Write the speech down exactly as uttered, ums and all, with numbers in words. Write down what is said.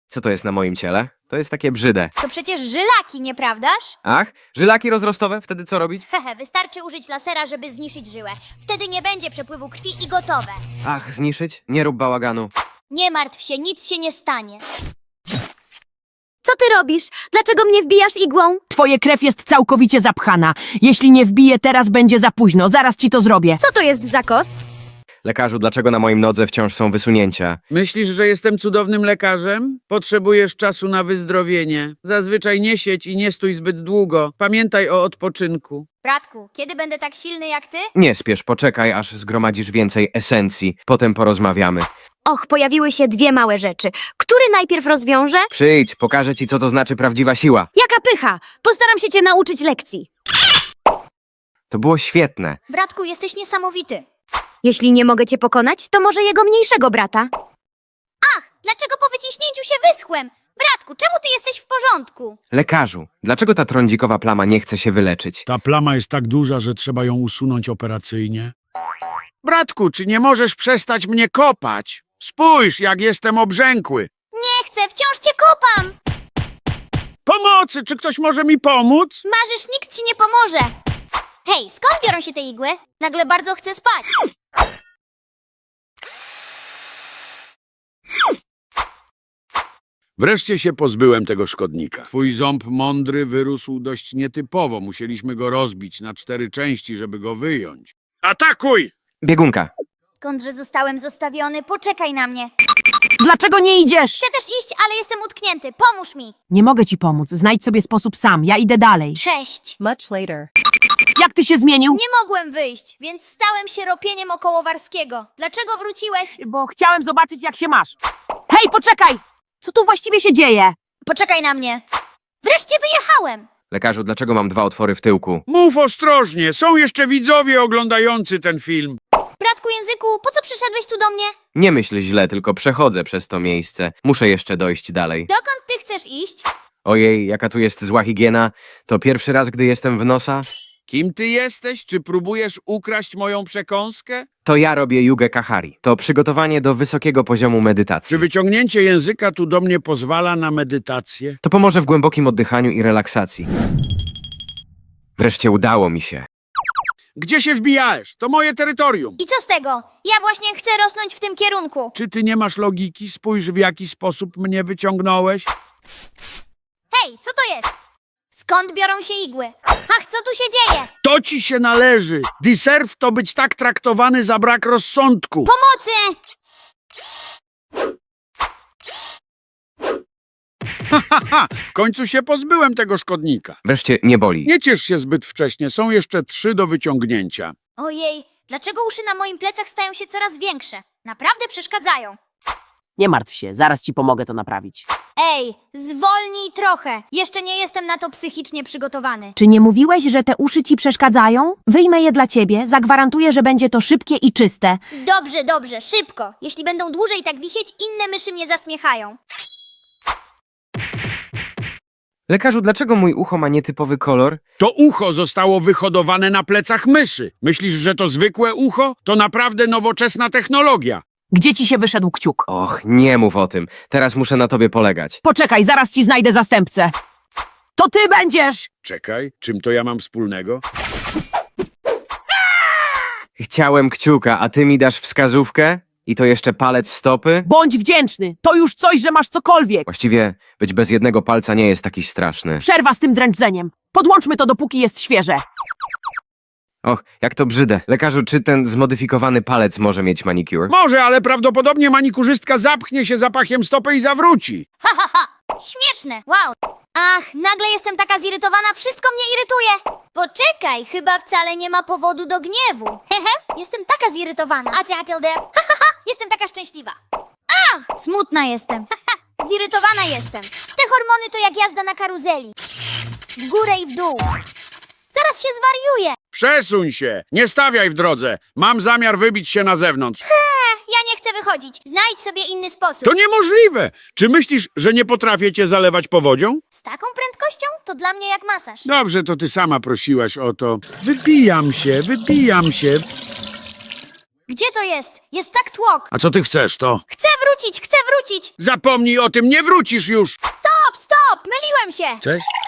Co to jest na moim ciele? To jest takie brzyde. To przecież żylaki, nieprawdaż? Ach, żylaki rozrostowe? Wtedy co robić? Hehe, wystarczy użyć lasera, żeby zniszczyć żyłę. Wtedy nie będzie przepływu krwi i gotowe. Ach, zniszyć? Nie rób bałaganu. Nie martw się, nic się nie stanie. Co ty robisz? Dlaczego mnie wbijasz igłą? Twoje krew jest całkowicie zapchana. Jeśli nie wbiję teraz, będzie za późno. Zaraz ci to zrobię. Co to jest za kos? Lekarzu, dlaczego na moim nodze wciąż są wysunięcia? Myślisz, że jestem cudownym lekarzem? Potrzebujesz czasu na wyzdrowienie. Zazwyczaj nie siedź i nie stój zbyt długo. Pamiętaj o odpoczynku. Bratku, kiedy będę tak silny jak ty? Nie spiesz, poczekaj, aż zgromadzisz więcej esencji. Potem porozmawiamy. Och, pojawiły się dwie małe rzeczy. Który najpierw rozwiąże? Przyjdź, pokażę ci, co to znaczy prawdziwa siła. Jaka pycha! Postaram się cię nauczyć lekcji. To było świetne. Bratku, jesteś niesamowity. Jeśli nie mogę cię pokonać, to może jego mniejszego brata. Dlaczego po wyciśnięciu się wyschłem? Bratku, czemu ty jesteś w porządku? Lekarzu, dlaczego ta trądzikowa plama nie chce się wyleczyć? Ta plama jest tak duża, że trzeba ją usunąć operacyjnie. Bratku, czy nie możesz przestać mnie kopać? Spójrz, jak jestem obrzękły. Nie chcę, wciąż cię kopam! Pomocy, czy ktoś może mi pomóc? Marzysz, nikt ci nie pomoże. Hej, skąd biorą się te igły? Nagle bardzo chcę spać. Wreszcie się pozbyłem tego szkodnika. Twój ząb mądry wyrósł dość nietypowo. Musieliśmy go rozbić na cztery części, żeby go wyjąć. Atakuj! Biegunka. Skądże zostałem zostawiony? Poczekaj na mnie. Dlaczego nie idziesz? Chcę też iść, ale jestem utknięty. Pomóż mi. Nie mogę ci pomóc. Znajdź sobie sposób sam. Ja idę dalej. Cześć. Much later. Jak ty się zmienił? Nie mogłem wyjść, więc stałem się ropieniem okołowarskiego. Dlaczego wróciłeś? Bo chciałem zobaczyć, jak się masz. Hej, poczekaj! Co tu właściwie się dzieje? Poczekaj na mnie. Wreszcie wyjechałem. Lekarzu, dlaczego mam dwa otwory w tyłku? Mów ostrożnie, są jeszcze widzowie oglądający ten film. Bratku języku, po co przyszedłeś tu do mnie? Nie myśl źle, tylko przechodzę przez to miejsce. Muszę jeszcze dojść dalej. Dokąd ty chcesz iść? Ojej, jaka tu jest zła higiena. To pierwszy raz, gdy jestem w nosa. Kim ty jesteś? Czy próbujesz ukraść moją przekąskę? To ja robię jugę kahari. To przygotowanie do wysokiego poziomu medytacji. Czy wyciągnięcie języka tu do mnie pozwala na medytację? To pomoże w głębokim oddychaniu i relaksacji. Wreszcie udało mi się. Gdzie się wbijałeś? To moje terytorium. I co z tego? Ja właśnie chcę rosnąć w tym kierunku. Czy ty nie masz logiki? Spójrz, w jaki sposób mnie wyciągnąłeś. Hej, co to jest? Skąd biorą się igły? Ach, co tu się dzieje? To ci się należy. Deserw to być tak traktowany za brak rozsądku. Pomocy! Haha, w końcu się pozbyłem tego szkodnika. Wreszcie nie boli. Nie ciesz się zbyt wcześnie, są jeszcze trzy do wyciągnięcia. Ojej, dlaczego uszy na moim plecach stają się coraz większe? Naprawdę przeszkadzają. Nie martw się, zaraz ci pomogę to naprawić. Ej, zwolnij trochę. Jeszcze nie jestem na to psychicznie przygotowany. Czy nie mówiłeś, że te uszy ci przeszkadzają? Wyjmę je dla ciebie, zagwarantuję, że będzie to szybkie i czyste. Dobrze, dobrze, szybko. Jeśli będą dłużej tak wisieć, inne myszy mnie zasmiechają. Lekarzu, dlaczego mój ucho ma nietypowy kolor? To ucho zostało wyhodowane na plecach myszy. Myślisz, że to zwykłe ucho? To naprawdę nowoczesna technologia. Gdzie ci się wyszedł kciuk? Och, nie mów o tym. Teraz muszę na tobie polegać. Poczekaj, zaraz ci znajdę zastępcę. To ty będziesz! Czekaj, czym to ja mam wspólnego? Chciałem kciuka, a ty mi dasz wskazówkę? I to jeszcze palec stopy? Bądź wdzięczny. To już coś, że masz cokolwiek. Właściwie być bez jednego palca nie jest taki straszny. Przerwa z tym dręczeniem. Podłączmy to, dopóki jest świeże. Och, jak to brzydę. Lekarzu, czy ten zmodyfikowany palec może mieć manicure? Może, ale prawdopodobnie manikurzystka zapchnie się zapachem stopy i zawróci. Ha, ha, ha! Śmieszne, wow! Ach, nagle jestem taka zirytowana, wszystko mnie irytuje! Poczekaj, chyba wcale nie ma powodu do gniewu. Hehe, jestem taka zirytowana. A ty, a tilde? Ha, ha, ha! Jestem taka szczęśliwa. Ach, smutna jestem. Ha, ha! Zirytowana jestem. Te hormony to jak jazda na karuzeli. W górę i w dół. Zaraz się zwariuję. Przesuń się, nie stawiaj w drodze. Mam zamiar wybić się na zewnątrz. Ja nie chcę wychodzić. Znajdź sobie inny sposób. To niemożliwe. Czy myślisz, że nie potrafię cię zalewać powodzią? Z taką prędkością? To dla mnie jak masaż. Dobrze, to ty sama prosiłaś o to. Wypijam się, wypijam się. Gdzie to jest? Jest tak tłok. A co ty chcesz, to? Chcę wrócić, chcę wrócić. Zapomnij o tym, nie wrócisz już! Stop, stop, myliłem się. Cześć.